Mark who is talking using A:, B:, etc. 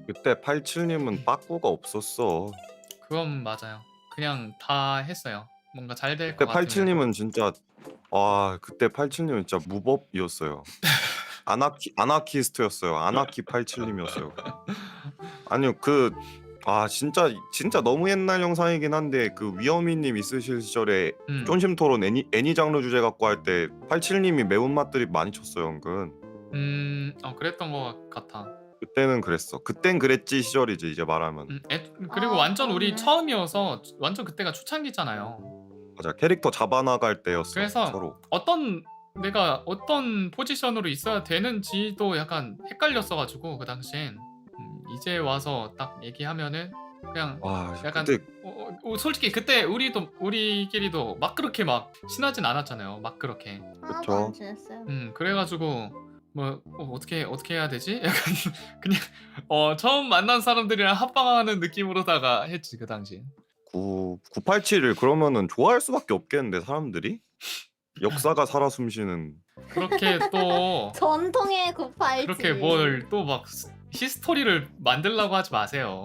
A: 그때 87님은 빠꾸가 없었어.
B: 그건 맞아요. 그냥 다 했어요. 뭔가 잘 될 것
A: 그때
B: 같으면.
A: 87님은 진짜 그때 87님은 진짜 무법이었어요. 아나키스트였어요. 아나키 87님이었어요. 아니요 진짜 너무 옛날 영상이긴 한데 그 위어미님 있으실 시절에
B: 음.
A: 쫀심 토론 애니 장르 주제 갖고 할 때 87님이 매운맛 드립 많이 쳤어요, 은근.
B: 그랬던 것 같아.
A: 그때는 그랬어. 그땐 그랬지 시절이지 이제 말하면.
B: 그리고
C: 아,
B: 완전 우리
C: 그렇네.
B: 처음이어서 완전 그때가 초창기잖아요.
A: 맞아. 캐릭터 잡아나갈 때였어,
B: 그래서
A: 서로.
B: 내가 어떤 포지션으로 있어야 되는지도 약간 헷갈렸어 가지고 그 당시엔. 이제 와서 딱 얘기하면은 그냥 약간
A: 그때
B: 솔직히 그때 우리끼리도 막 그렇게 막 친하진 않았잖아요. 막 그렇게.
C: 하나도 안
A: 그쵸.
C: 친했어요.
B: 그래 가지고 뭐 어떻게 해야 되지? 약간 그냥 처음 만난 사람들이랑 합방하는 느낌으로다가 했지 그 당시엔.
A: 987을 그러면은 좋아할 수밖에 없겠는데 사람들이? 역사가 살아 숨쉬는.
B: 그렇게 또
C: 전통의 987.
B: 그렇게 뭘 또 막 히스토리를 만들려고 하지 마세요.